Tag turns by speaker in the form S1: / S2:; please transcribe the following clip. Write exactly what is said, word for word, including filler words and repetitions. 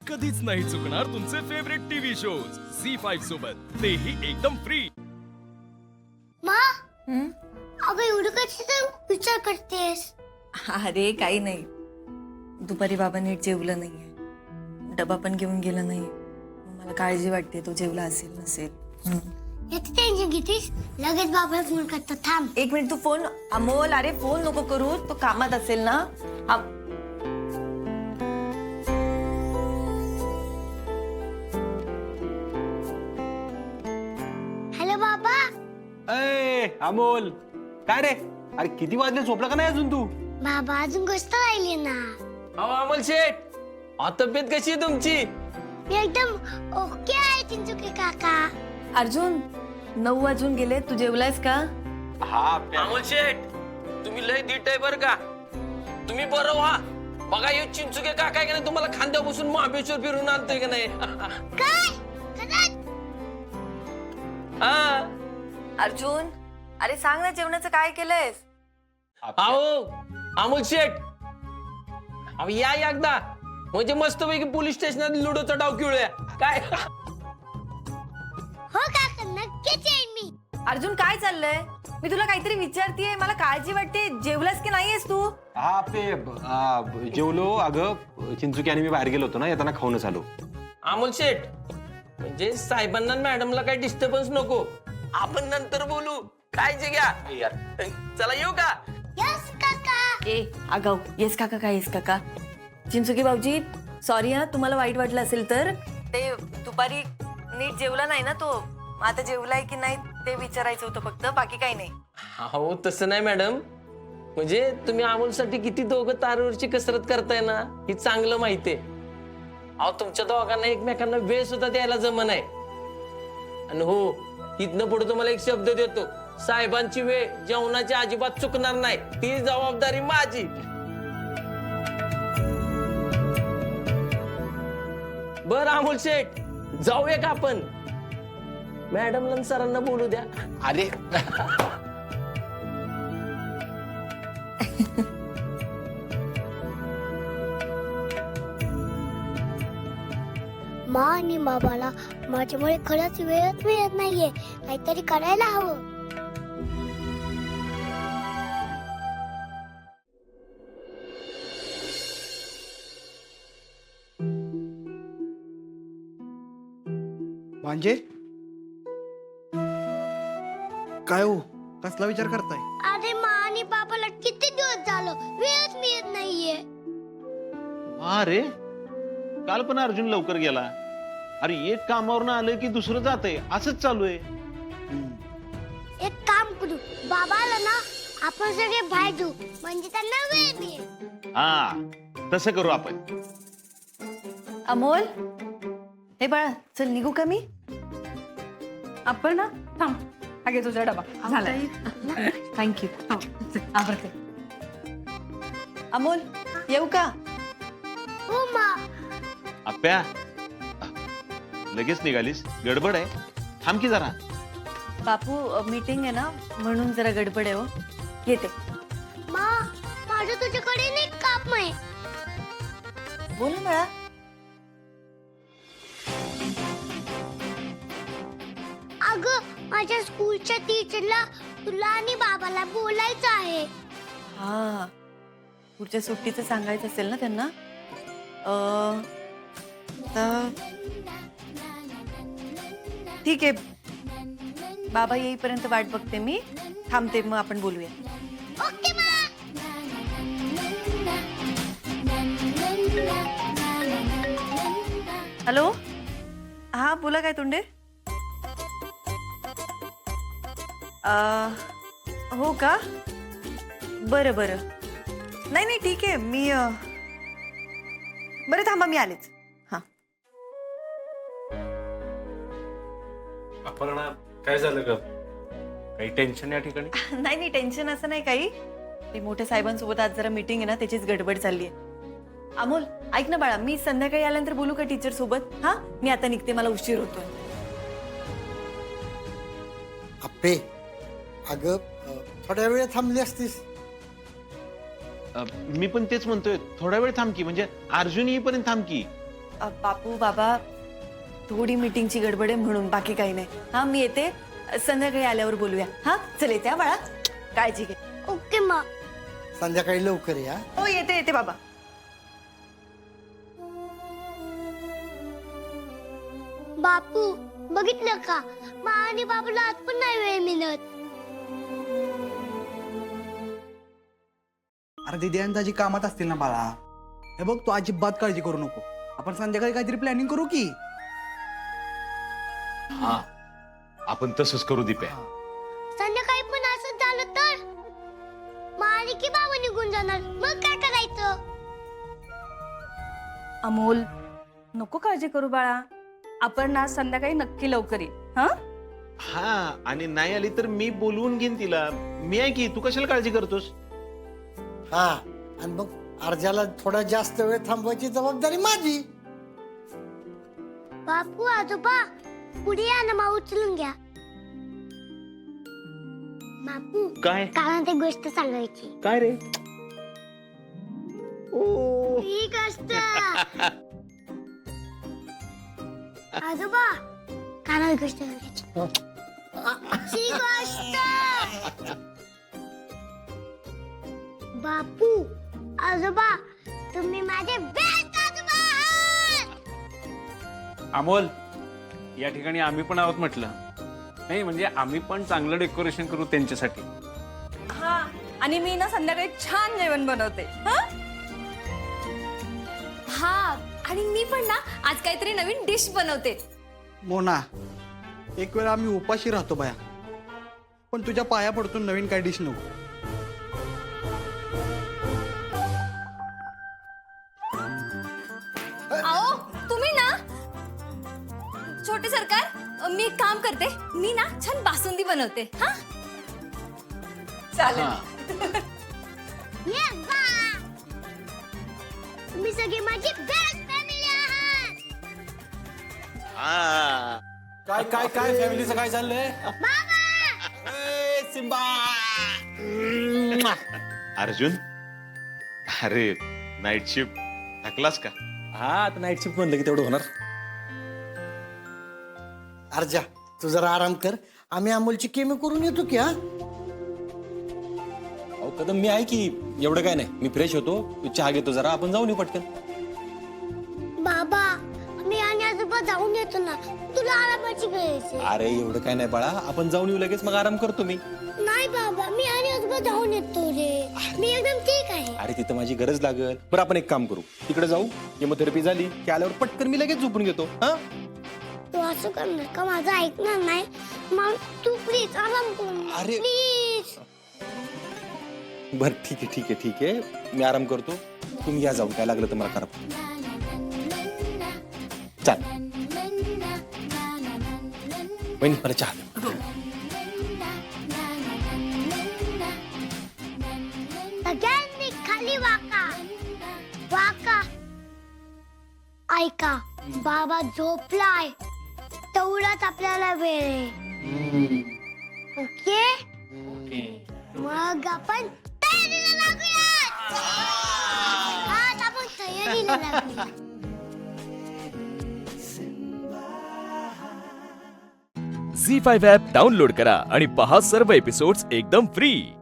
S1: कधीच नाही चुकणार तुमचे favourite TV shows Zee five सोबत, तेही एकदम फ्री.
S2: मा अगं एवढं कशाचा विचार करतेस?
S3: अरे काही नाही, दुपारी बाबा नीट जेवलं नाहीये, डबा पण घेऊन गेला नाही. मला काळजी वाटते तो जेवला असेल नसेल.
S2: याचं टेन्शन घेतीस? लगेच बाबाला फोन करतो, थांब.
S3: एक मिनिट, तू फोन. अमोल, अरे फोन नको करू, तो कामात असेल ना. अम-
S2: हॅलो बाबा.
S4: अय अमोल, काय रे? अरे किती वाजले, झोपला का नाही अजून तू?
S2: बाबा अजून गोष्ट राहिली ना.
S4: अहो अमोल शेठ, अहो, तब्येत कशी आहे तुमची?
S2: मी एकदम ओके आहे चिंचुके काका.
S3: अर्जुन, नऊ वाजून गेले, तू जेवलायस का?
S4: हा
S5: अमोल शेठ, तुम्ही लय धीट आहे बर का. तुम्ही बरं व्हा. बघा हे चिंचुके काका आहे का नाही, तुम्हाला खांद्यावर बसून महाबळेश्वर फिरून आणतोय का नाही.
S2: काय खरंच?
S5: हा.
S3: अर्जुन, अरे सांग ना, जेवणाचं काय केलंयस?
S5: अहो अमोल शेठ, अहो या एकदा, म्हणजे मस्तपैकी पोलीस स्टेशनात लुडोचा डाव खेळूया काय.
S2: हो काका, नक्कीच येईन मी.
S3: अर्जुन, काय चाललंय? मी तुला काहीतरी विचारतीये, मला काळजी वाटते. जेवलास की नाहीयेस तू?
S4: हा पे आ, जेवलो. अगं चिंचुकी आणि मी बाहेर गेलो होतो ना, येताना खाऊनच आलो.
S5: अमोल शेठ, म्हणजे साहेबांना मॅडमला काही डिस्टर्बन्स नको, आपण नंतर बोलू. काळजी घ्या यार. चला येऊ का?
S2: यस काका.
S3: ए आगाऊ, येस काका काय येस काका? चिंचुके भाऊजी, सॉरी हा, तुम्हाला वाईट वाटलं असेल तर. ते दुपारी नीट जेवला नाही ना तो, आता जेवलाय की नाही ते विचारायचं होतं फक्त, बाकी काही नाही.
S5: हो तसं नाही मॅडम, म्हणजे तुम्ही अमोलसाठी किती दोघं तारेवरची कसरत करताय ना, ही चांगलं माहितीये. अहो तुमच्या दोघांना एकमेकांना वेळ सुद्धा द्यायला जमन आहे. आणि हो, इथनं पुढे तुम्हाला एक शब्द देतो, साहेबांची वेळ जेवणाची अजिबात चुकणार नाही, ती जबाबदारी माझी. बर अमोल शेठ, जाऊया का आपण? मॅडमला सरांना बोलू द्या.
S4: अरे
S2: मा आणि बाबाला माझ्यामुळे खरंच वेळच मिळत नाहीये, काहीतरी करायला हवं.
S6: म्हणजे काय हो, कसला विचार करताय?
S2: अरे मा आणि बाबाला किती दिवस झालं वेळच मिळत नाहीये.
S7: अरे काल पण अर्जुन लवकर गेला. अरे एक कामावरनं आलं की दुसरं जातंय, असंच चालू आहे.
S2: एक काम करू, बाबाला ना आपण सगळे बाहेर जाऊ, म्हणजे त्यांना वेळ मिळेल.
S7: हा तसं करू आपण.
S3: अमोल, हे बाळा, चल निघू का मी?
S8: आपण ना थांब, अगे तुझा डबा झालाय.
S3: थँक्यू.
S8: आवडते.
S3: अमोल, येऊ का?
S2: हो मा.
S7: आप्या, लगेच निघालीस? गडबड आहे, थांब की जरा.
S3: बापू, मीटिंग आहे ना, म्हणून जरा गडबड आहे हो. येते.
S2: मा, माझं तुझ्याकडे नाही काम आहे.
S3: बोल ना बाळा.
S2: अगं माझ्या स्कूलच्या टीचरला तुला आणि बाबाला बोलायचं आहे.
S3: हा, पुढच्या सुट्टीचं सांगायचं असेल ना त्यांना. अं, तर ठीक आहे, बाबा येईपर्यंत वाट बघते मी. थांबते, मग आपण बोलूया.
S2: ओके मा.
S3: हॅलो, हा बोला, काय तोंडे? अं, हो का? बरं बरं, नाही नाही ठीक आहे, मी अं, बरं थांबा, मी आलेच. हा.
S9: अपर्णा, काय झालं ग? काही टेन्शन या ठिकाणी?
S3: नाही नाही, टेन्शन असं नाही काही. ते मोठ्या साहेबांसोबत आज जरा मीटिंग आहे ना, त्याचीच गडबड चालली आहे. अमोल, ऐक ना बाळा, मी संध्याकाळी आल्यानंतर बोलू का टीचर सोबत? हा, मी आता निघते, मला उशीर होतोय.
S6: अप्पे, अगं थोड्या वेळ थांबली असतीस.
S7: अ, मी पण तेच म्हणतोय, थोडा वेळ थांब की, म्हणजे अर्जुन येईपर्यंत थांब की.
S3: अ, बापू बाबा थोडी मीटिंगची गडबड आहे म्हणून, बाकी काही नाही. हा मी येते, संध्याकाळी आल्यावर बोलूया. हा चल येते हा बाळा, काळजी घे.
S2: ओके मा.
S6: संध्याकाळी लवकर या.
S3: हो येते येते बाबा.
S2: बापू बघितलं का, मा आणि बाबूला आज पण नाही वेळ मिळत.
S10: अरे दीदी आणि दाजी कामात असतील ना बाळा. हे बघ तू अजिबात काळजी करू नको. आपण संध्याकाळी काहीतरी प्लॅनिंग करू की.
S7: हा आपण तसंच करू दीप्या.
S2: संध्याकाळी पण असं झालं तर मा आणि की बाबा निघून जाणार, मग काय करायचं?
S8: अमोल नको काळजी करू बाळा, आपण ना संध्याकाळी नक्की लवकर येईल. हा
S7: हा आणि नाही आली तर मी बोलवून घेईन तिला. मी आहे की, तू कशाला काळजी करतोस.
S6: हा आणि मग अर्जाला थोडा जास्त वेळ थांबवायची जबाबदारी माझी.
S2: बापू आजोबा पुढे या ना, मा उचलून घ्या. बापू
S7: काय
S2: काल ते गोष्ट सांगायची.
S7: काय रे.
S2: ही गोष्ट आजोबा काल गोष्ट सांगायची. ही गोष्ट बापू आजोबा तुम्ही माझे बेस्ट आजोबा आहात.
S9: अमोल, या ठिकाणी आम्ही पण आहोत म्हटलं. नाही म्हणजे आम्ही पण चांगलं डेकोरेशन करू त्यांच्यासाठी.
S8: हा आणि मी ना संध्याकाळी छान जेवण बनवते. हा
S11: हा आणि मी पण ना आज काहीतरी नवीन डिश बनवते.
S10: मोना, एक वेळा आम्ही उपाशी राहतो बाया, पण तुझ्या पाया पडतो नवीन काय डिश नको.
S11: आओ तुम्ही ना छोटे सरकार, मी एक काम करते, मी ना छान बासुंदी बनवते. हा
S8: चालेल.
S2: ये बा तुम्ही सगळे माझी बेस्ट फॅमिली आहात.
S4: काय काय काय फॅमिलीचं काय चाललंय.
S7: सिम्बा. अर्जुन, अरे नाईट शिफ्ट थकलास का.
S4: हा आता नाईट शिफ्ट म्हणलं की तेवढं होणार.
S6: अर्जा तू जरा आराम कर, आम्ही अमोलची केमी करून येतो की. हा
S4: अहो कदम मी आहे की, एवढं काय नाही. मी फ्रेश होतो, तू चहा घेतो जरा, आपण जाऊन येऊ पटकन.
S2: बाबा मी आणि आजोबा जाऊन येतो ना, तुला आरामाची गरज आहे.
S4: अरे एवढं काय नाही बाळा, आपण जाऊन येऊ लगेच, मग आराम करतो मी.
S2: नाही बाबा मी आणि आजोबा जाऊन येतो रे, मी एकदम ठीक आहे.
S4: अरे तिथं माझी गरज लागल. बरं आपण एक काम करू, तिकडे जाऊ, केमोथेरपी झाली की आल्यावर पटकन मी लगेच झोपून घेतो. हा
S2: तू असं करणार का, माझं ऐकणार नाही. मग तू प्लीज आराम कर.
S4: अरे.
S2: प्लीज.
S4: बर ठीक आहे ठीक आहे ठीक आहे, मी आराम करतो, तुम्ही या जाऊन, काय लागलं तर मला करा. चाल वहिनी मला चहा द्या.
S2: सगळ्यांनी खाली वाका वाका. ऐका बाबा झोपलाय, तेवढाच आपल्याला वेळ आहे. ओके मग आपण तयारीला लागूया. आज आपण तयारीला लागूया.
S1: झी फाईव्ह ॲप डाउनलोड करा आणि पहा सर्व एपिसोड्स एकदम फ्री.